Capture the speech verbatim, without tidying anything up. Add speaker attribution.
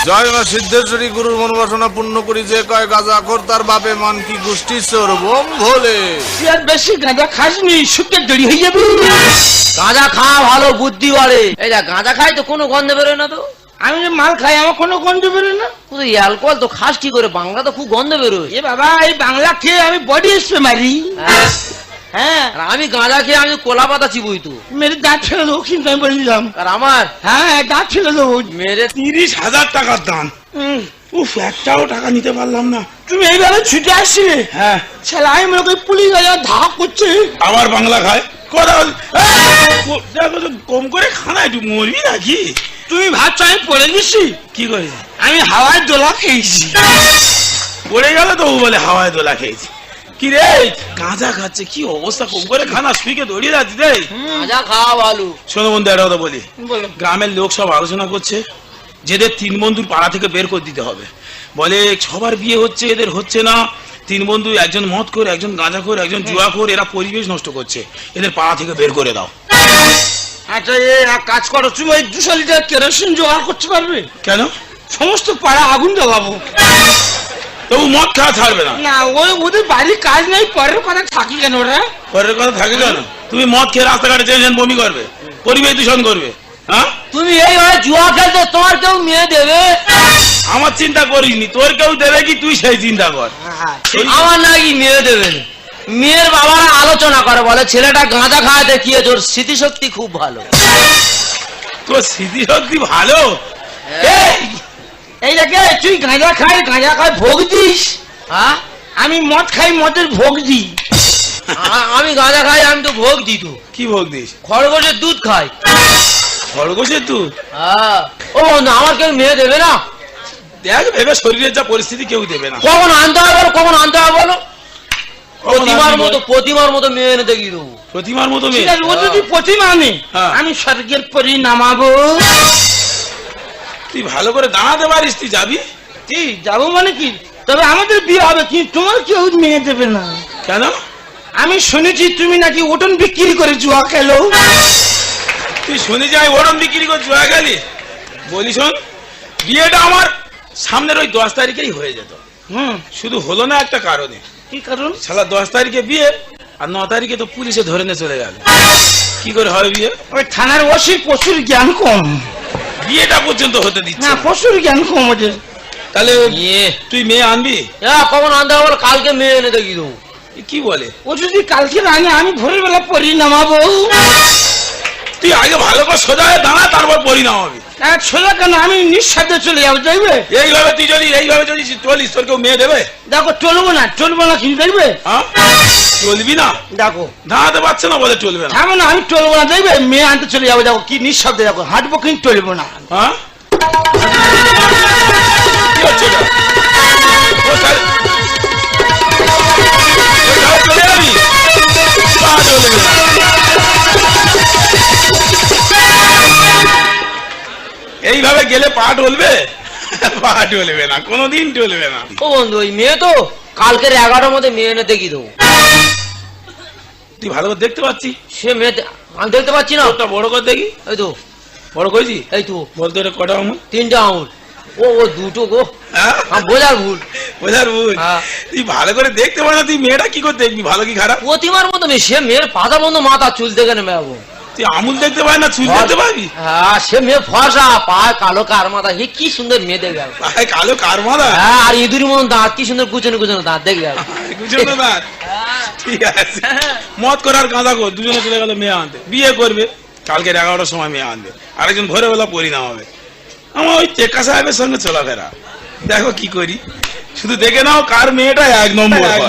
Speaker 1: জয় মা সিদ্ধেশ্বরী গুরুর মনোবাসনা পূর্ণ করি যে কয় গাঁজা খোর তার বাপে মান কি গোষ্ঠী চোর বোম ভোলে।
Speaker 2: তুই আর বেশি গাঁজা খাসনি, শুকে দেরি হয়ে যাবে।
Speaker 3: গাঁজা খাওয়া ভালো, বুদ্ধি বাড়ে। এই যা গাঁজা খাই তো কোনো গন্ধ বেরোয় না তো।
Speaker 2: আমি যে মাল খাই আমার কোনো গন্ধ বেরোয় না।
Speaker 3: তুই অ্যালকোহল তো খাস কি করে? বাংলা তো খুব গন্ধ বেরোয়।
Speaker 2: এ বাবা, এই বাংলা খেয়ে আমি বডি স্প্রে মারি।
Speaker 3: হ্যাঁ,
Speaker 2: হ্যাঁ,
Speaker 3: আর আমি গাঁজা খেয়ে আমি কোলা পাতা চিবুই তো।
Speaker 2: মেরে দাঁত ফেলে দেবো কিন্তু আমি বলে দিলাম।
Speaker 3: আর আমার
Speaker 2: হ্যাঁ, দাঁত ফেলে দেবো।
Speaker 3: মেরে
Speaker 4: তিরিশ হাজার টাকার দাম।
Speaker 2: উম,
Speaker 4: উফ, একটাও টাকা নিতে পারলাম না।
Speaker 2: তুমি এইভাবে ছুটে আসছিলে?
Speaker 4: হ্যাঁ,
Speaker 2: ছেলে আমি মনে করি পুলিশ ধাপ করছে।
Speaker 4: আবার বাংলা খায় কথা বল- এই, ও, দেখো তো, কম করে খানা একটু মরবি নাকি?
Speaker 2: তুমি ভাবছো আমি পড়ে গেছি?
Speaker 4: কি করে
Speaker 2: আমি হাওয়ায় দোলা খেয়েছি।
Speaker 4: পড়ে গেল তো ও বলে হাওয়ায় দোলা খেয়েছি। কি রে, গাঁজা খাচ্ছে, কি অবস্থা! কম করে খানা শুইকে দৌড়িয়ে যাচ্ছি রে।
Speaker 3: গাঁজা খাওয়া ভালো।
Speaker 4: শোনো বন্ধু, একটা কথা বলি।
Speaker 2: বলো।
Speaker 4: গ্রামের লোক সব আলোচনা করছে যেদের তিন বন্ধুর পাড়া থেকে বের করে দিতে হবে। বলে সবার বিয়ে হচ্ছে, এদের হচ্ছে না। তিন বন্ধু, একজন মদ করে, একজন গাঁজা করে, একজন জুয়া করে, এরা পরিবেশ নষ্ট করছে, এদের পাড়া থেকে বের করে দাও।
Speaker 2: আচ্ছা, এ এক কাজ করো, তুমি ওই দুশো লিটার কেরোসিন জোগাড় করতে পারবে?
Speaker 4: কেন?
Speaker 2: সমস্ত পাড়া আগুন জ্বালাবো।
Speaker 4: তবু মদ খাওয়া ছাড়বে না?
Speaker 2: না, ওই ওদের বাড়ির কাজ নেই, পরের কথা থাকি কেন ওরা?
Speaker 4: পরের কথা থাকে কেন? তুমি মদ খেয়ে রাস্তাঘাটে চেয়েছেন বমি করবে, পরিবেশ দূষণ করবে। হ্যাঁ,
Speaker 3: তুমি এইভাবে জুয়া খেলতে তোমার কেউ মেয়ে দেবে?
Speaker 4: আমার চিন্তা করিসনি, তোর কেউ দেবে কি তুই সেই চিন্তা কর।
Speaker 3: আমার নাকি মেয়ে দেবেন। মেয়ের বাবারা আলোচনা করে, বলে ছেলেটা গাঁজা খায় দেখিয়ে তোর স্মৃতিশক্তি খুব ভালো।
Speaker 4: তোর স্মৃতিশক্তি ভালো?
Speaker 2: এই, এই দেখে তুই গাঁজা খাই, গাঁজা খাই ভোগ দিস।
Speaker 3: হ্যাঁ,
Speaker 2: আমি মদ খাই, মদের ভোগ দিই।
Speaker 3: আ- আমি গাঁজা খাই, আমি তো ভোগ দিই তো।
Speaker 4: কি ভোগ দিস?
Speaker 3: খরগোশের দুধ খাই।
Speaker 4: খরগোশের তুই?
Speaker 3: হ্যাঁ। ও বন্ধু, আমার কেউ মেয়ে দেবে না?
Speaker 4: দেখ ভেবে, শরীরের যা পরিস্থিতি কেউ দেবে না।
Speaker 3: কখন আনতে হবে বলো, কখন আনতে হবে বলো?
Speaker 4: কখন
Speaker 3: প্রতিমার
Speaker 4: আনবি
Speaker 3: মতো
Speaker 4: বল?
Speaker 3: প্রতিমার মতো মেয়ে এনে দেখিয়ে দেবো।
Speaker 4: প্রতিমার মতো
Speaker 2: ঠিক
Speaker 4: মেয়ে?
Speaker 2: আছে, ও যদি প্রতিমা আনে,
Speaker 4: হ্যাঁ।
Speaker 2: আমি স্বর্গের পরি নামাবো।
Speaker 4: তুই ভালো করে দাঁড়াতে পারিস, তুই যাবি?
Speaker 2: কি যাবো মানে কি? তবে আমাদের বিয়ে হবে, কিন্তু তোমার কেউ মেয়ে দেবে না।
Speaker 4: কেন?
Speaker 2: আমি শুনেছি তুমি নাকি ওটন বিক্রি করে জুয়া খেলো।
Speaker 4: তুই শুনে যাই ওরম বিক্রি করে জুয়া গেলি? বলি শোন, বিয়েটা আমার সামনের ওই দশ তারিখেই হয়ে যেত।
Speaker 2: হুম,
Speaker 4: শুধু হলো না একটা কারণে।
Speaker 2: কি কারণ?
Speaker 4: শালা দশ তারিখে বিয়ে, আর ন তারিখে তো পুলিশে ধরে নিয়ে চলে গেল। কি করে হয় বিয়ে?
Speaker 2: ওই থানার ওসি প্রচুর জ্ঞান কম।
Speaker 4: বিয়েটা পর্যন্ত হতে দিচ্ছে
Speaker 2: না,
Speaker 4: না।
Speaker 2: প্রচুর জ্ঞান কম ওদের।
Speaker 4: তাহলে
Speaker 3: ইয়ে,
Speaker 4: তুই মেয়ে আনবি?
Speaker 3: হ্যাঁ, কখন আনতে হবে বলো, কালকে মেয়ে এনে দেখিয়ে দেবো।
Speaker 4: এ কি বলে?
Speaker 2: ও যদি কালকে আনে, আমি ভোরের বেলা পরি নামাবো।
Speaker 4: তুই আগে ভালো করে সোজা হয়ে দাঁড়া, তারপর পরিণাম হবে।
Speaker 2: আর ছোলা কেন, আমি নিঃসাধ্যে চলে যাবো, দেখবে?
Speaker 4: এইভাবে তুই যদি এইভাবে যদি চলিস, তোর কেউ মেয়ে দেবে?
Speaker 2: দেখো, চলবো না, চলবো না, কিন্তু দেখবে?
Speaker 4: হ্যাঁ, চলবি না?
Speaker 2: দেখো,
Speaker 4: দাঁড়াতে পারছে না বলে চলবে না?
Speaker 2: থামো না, আমি চলবো না, দেখবে? মেয়ে আনতে চলে যাবো, দেখো কি নিঃশব্দে, দেখো হাঁটবো কিন্তু চলবো না।
Speaker 4: হ্যাঁ, কি হচ্ছে এটা? ও তাহলে- ও তাহলে চলে যাবি? পা চলবে না। এইভাবে গেলে পা টলবে? পা টলবে না, কোনোদিন টলবে না।
Speaker 3: ও বন্ধু, ওই মেয়ে তো কালকের এগারোটার মধ্যে মেয়ে এনে দেখিয়ে দেবো।
Speaker 4: তুই ভালো করে দেখতে পাচ্ছি?
Speaker 3: সে মেয়ে দে- আমি দেখতে পাচ্ছি না।
Speaker 4: ওটা বড় করে দেখি।
Speaker 3: এই তো,
Speaker 4: বড় করেছি?
Speaker 3: এই তো
Speaker 4: বলতো এটা কটা আমার?
Speaker 3: তিনটা আঙুল। ও ও দুটো গো,
Speaker 4: হ্যাঁ,
Speaker 3: আমার বোঝার ভুল।
Speaker 4: বোঝার ভুল।
Speaker 3: হ্যাঁ।
Speaker 4: তুই ভালো করে দেখতে পারে না, তুই মেয়েটা কি করে দেখবি, ভালো কি খারাপ?
Speaker 3: প্রতিমার মতো মেয়ে, সে মেয়ের পাতার মতো মাথা, চুল থেকে নেমে যাবো।
Speaker 4: তুই আমুল দেখতে পারি না, চুল দেখতে পাবি?
Speaker 3: হ্যাঁ, সে মেয়ে ফর্সা, পায় কালো কার মাথা, হে কি সুন্দর মেয়ে দেখবে।
Speaker 4: ভাই কালো কার মাথা?
Speaker 3: হ্যাঁ, আর ইঁদুর মতন দাঁত, কি সুন্দর কুচনো কুচনো দাঁত দেখবে।
Speaker 4: বুঝলো না? ঠিক আছে, মদ করার গাঁদা কর, দুজনে চলে গেল মেয়ে আনতে, বিয়ে করবে কালকের এগারোটার সময় মেয়ে আনবে, আরেকজন ভোরে বেলা পরিণাম হবে। আমার ওই টেকা সাহেবের সঙ্গে চলাফেরা, দেখো কি করি। শুধু দেখে নাও কার মেয়েটা এক নম্বর।